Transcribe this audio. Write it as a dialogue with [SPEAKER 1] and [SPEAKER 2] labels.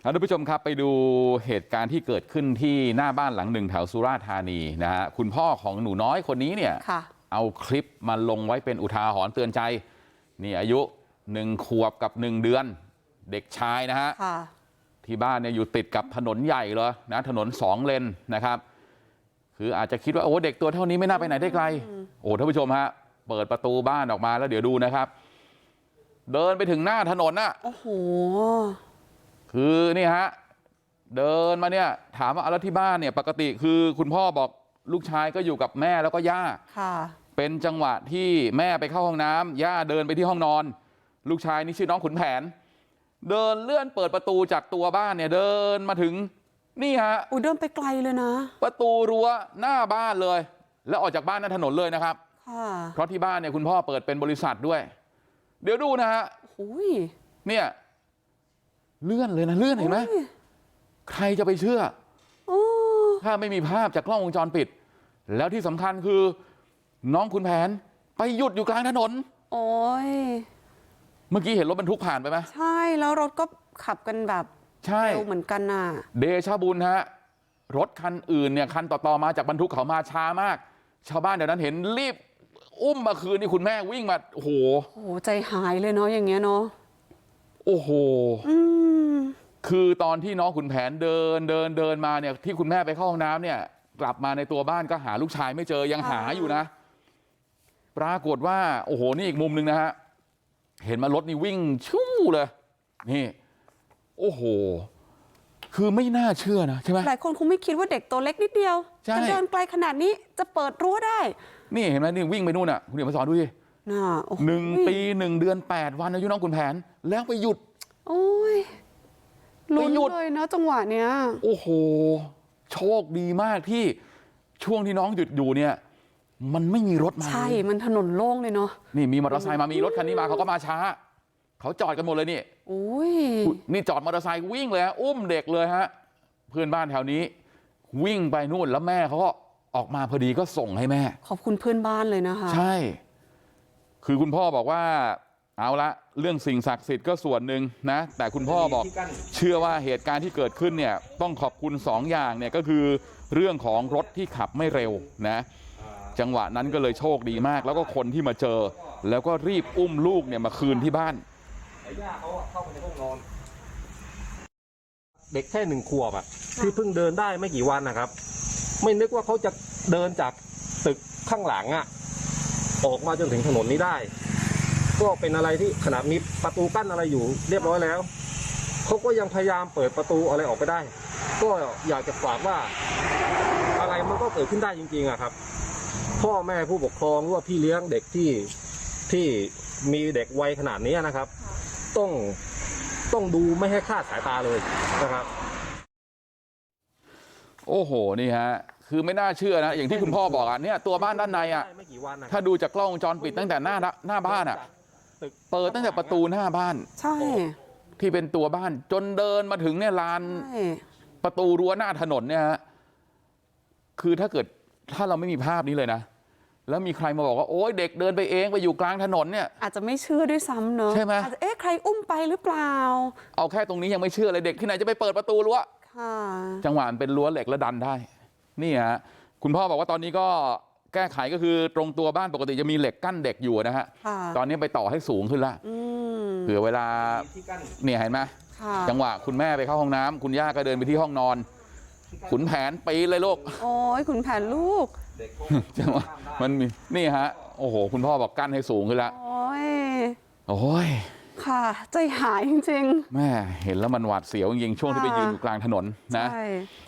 [SPEAKER 1] ท่านผู้ชมครับไปดูเหตุการณ์ที่เกิดขึ้นที่หน้าบ้านหลังหนึ่งแถวสุราษฎร์ธานีนะฮะคุณพ่อของหนูน้อยคนนี้เนี่ยเอาคลิปมาลงไว้เป็นอุทาหรณ์เตือนใจนี่อายุ1 ขวบกับ1 เดือนเด็กชายนะฮะที่บ้านเนี่ยอยู่ติดกับถนนใหญ่เลยนะถนน2 เลนนะครับคืออาจจะคิดว่าโอ้เด็กตัวเท่านี้ไม่น่าไปไหนได้ไกลโอ้ท่านผู้ชมฮะเปิดประตูบ้านออกมาแล้วเดี๋ยวดูนะครับเดินไปถึงหน้าถนนน่ะโอ้โหคือนี่ฮะเดินมาเนี่ยถามว่าแล้วที่บ้านเนี่ยปกติคือคุณพ่อบอกลูกชายก็อยู่กับแม่แล้วก็ย่าเป็นจังหวะที่แม่ไปเข้าห้องน้ำย่าเดินไปที่ห้องนอนลูกชายนี่ชื่อน้องขุนแผนเดินเลื่อนเปิดประตูจากตัวบ้านเนี่ยเดินมาถึงนี่ฮะ
[SPEAKER 2] เดินไปไกลเลยนะ
[SPEAKER 1] ประตูรั้วหน้าบ้านเลยแล้วออกจากบ้านหน้าถนนเลยนะครับเพราะที่บ้านเนี่ยคุณพ่อเปิดเป็นบริษัทด้วยเดี๋ยวดูนะฮะเนี่ยเลื่อนเลยนะเลื่อนเห็นไหมใครจะไปเชื่อถ้าไม่มีภาพจากกล้องวงจรปิดแล้วที่สำคัญคือน้องขุนแผนไปหยุดอยู่กลางถนน
[SPEAKER 2] โอ้ย
[SPEAKER 1] เมื่อกี้เห็นรถบรรทุกผ่านไปไหม
[SPEAKER 2] ใช่แล้วรถก็ขับกันแบบเร็วเหมือนกันน่ะ
[SPEAKER 1] เดชะบุญฮะรถคันอื่นเนี่ยคันต่อมาจากบรรทุกเขามาช้ามากชาวบ้านเดี๋ยวนั้นเห็นรีบอุ้มมาคืนนี่คุณแม่วิ่งมาโอ้โห
[SPEAKER 2] ใจหายเลยเนาะอย่างเงี้ยเนาะ
[SPEAKER 1] โอ้โหคือตอนที่น้องขุนแผนเดินมาเนี่ยที่คุณแม่ไปเข้าห้องน้ำเนี่ยกลับมาในตัวบ้านก็หาลูกชายไม่เจอยังหาอยู่นะปรากฏว่าโอ้โหนี่อีกมุมหนึ่งนะฮะเห็นมารถนี่วิ่งชู่เลยนี่โอ้โหคือไม่น่าเชื่อนะใช่ไหม
[SPEAKER 2] หลายคนคงไม่คิดว่าเด็กตัวเล็กนิดเดียวจะเดินไกลขนาดนี้จะเปิดรั้วได้
[SPEAKER 1] นี่เห็นไหมนี่วิ่งไปนู่นอ่ะคุณเดี๋ยวมาสอนดูดิ1 ปี 1 เดือน 8 วันอายุน้องขุนแผนแล้วไปหยุด
[SPEAKER 2] โอ้ยลุ้นเลยเนาะจังหวะเนี้ย
[SPEAKER 1] โอ้โหโชคดีมากที่ช่วงที่น้องหยุดอยู่เนี่ยมันไม่มีรถมา
[SPEAKER 2] ใช่มันถนนโล่งเลยเนาะ
[SPEAKER 1] นี่มีมอเตอร์ไซค์มามีรถคันนี้มาเขาก็มาช้าเขาจอดกันหมดเลยนี่นี่จอดมอเตอร์ไซค์วิ่งเลยฮะอุ้มเด็กเลยฮะเพื่อนบ้านแถวนี้วิ่งไปนู่นแล้วแม่เขาก็ออกมาพอดีก็ส่งให้แม่
[SPEAKER 2] ขอบคุณเพื่อนบ้านเลยนะคะ
[SPEAKER 1] ใช่คือคุณพ่อบอกว่าเอาละเรื่องสิ่งศักดิ์สิทธิ์ก็ส่วนหนึ่งนะแต่คุณพ่อบอกเชื่อว่าเหตุการณ์ที่เกิดขึ้นเนี่ยต้องขอบคุณ2 อย่างเนี่ยก็คือเรื่องของรถที่ขับไม่เร็วนะจังหวะนั้นก็เลยโชคดีมากแล้วก็คนที่มาเจอแล้วก็รีบอุ้มลูกเนี่ยมาคืนที่บ้าน
[SPEAKER 3] ย่าเขาเข้าไปในห้องนอนเด็กแค่1 ขวบอ่ะที่เพิ่งเดินได้ไม่กี่วันนะครับไม่นึกว่าเขาจะเดินจากตึกข้างหลังอ่ะออกมาจนถึงถนนนี้ได้ก็เป็นอะไรที่ขนาดมีประตูกั้นอะไรอยู่เรียบร้อยแล้วเขาก็ยังพยายามเปิดประตูอะไรออกไปได้ก็อยากจะฝากว่าอะไรมันก็เกิดขึ้นได้จริงๆอะครับพ่อแม่ผู้ปกครองหรือว่าพี่เลี้ยงเด็กที่มีเด็กวัยขนาดนี้นะครับต้องดูไม่ให้คลาดสายตาเลยนะครับ
[SPEAKER 1] โอ้โหนี่ฮะคือไม่น่าเชื่อนะอย่างที่คุณพ่อบอกอ่ะเนี่ยตัวบ้านด้านในอ่ะถ้าดูจากกล้องวงจรปิดตั้งแต่หน้าบ้านอ่ะเปิดตั้งแต่ประตูหน้าบ้าน
[SPEAKER 2] ใช่
[SPEAKER 1] ที่เป็นตัวบ้านจนเดินมาถึงเนี่ยลานประตูรั้วหน้าถนนเนี่ยฮะคือถ้าเราไม่มีภาพนี้เลยนะแล้วมีใครมาบอกว่าโอ๊ยเด็กเดินไปเองไปอยู่กลางถนนเนี่ย
[SPEAKER 2] อาจจะไม่เชื่อด้วยซ้ำเนอะ
[SPEAKER 1] ใช่ไหม
[SPEAKER 2] อาจจะใครอุ้มไปหรือเปล่า
[SPEAKER 1] เอาแค่ตรงนี้ยังไม่เชื่อเลยเด็กที่ไหนจะไปเปิดประตูรั้วจังหวะมันเป็นรั้วเหล็กแล้วดันได้นี่ฮะคุณพ่อบอกว่าตอนนี้ก็แก้ไขก็คือตรงตัวบ้านปกติจะมีเหล็กกั้นเด็กอยู่นะฮะตอนนี้ไปต่อให้สูงขึ้นละเผื่อเวลาเนี่ยเห็นไหมจังหวะคุณแม่ไปเข้าห้องน้ำคุณย่าก็เดินไปที่ห้องนอนขุนแผนปีเลยลูก
[SPEAKER 2] โอ้ยขุนแผนลูก
[SPEAKER 1] จังหวะมันมีนี่ฮะโอ้โหคุณพ่อบอกกั้นให้สูงขึ้นละ
[SPEAKER 2] โอ้
[SPEAKER 1] ย
[SPEAKER 2] ค่ะใจหายจริง
[SPEAKER 1] ๆแม่เห็นแล้วมันหวาดเสียวจริงๆช่วงที่ไปยืนอยู่กลางถนนนะใช่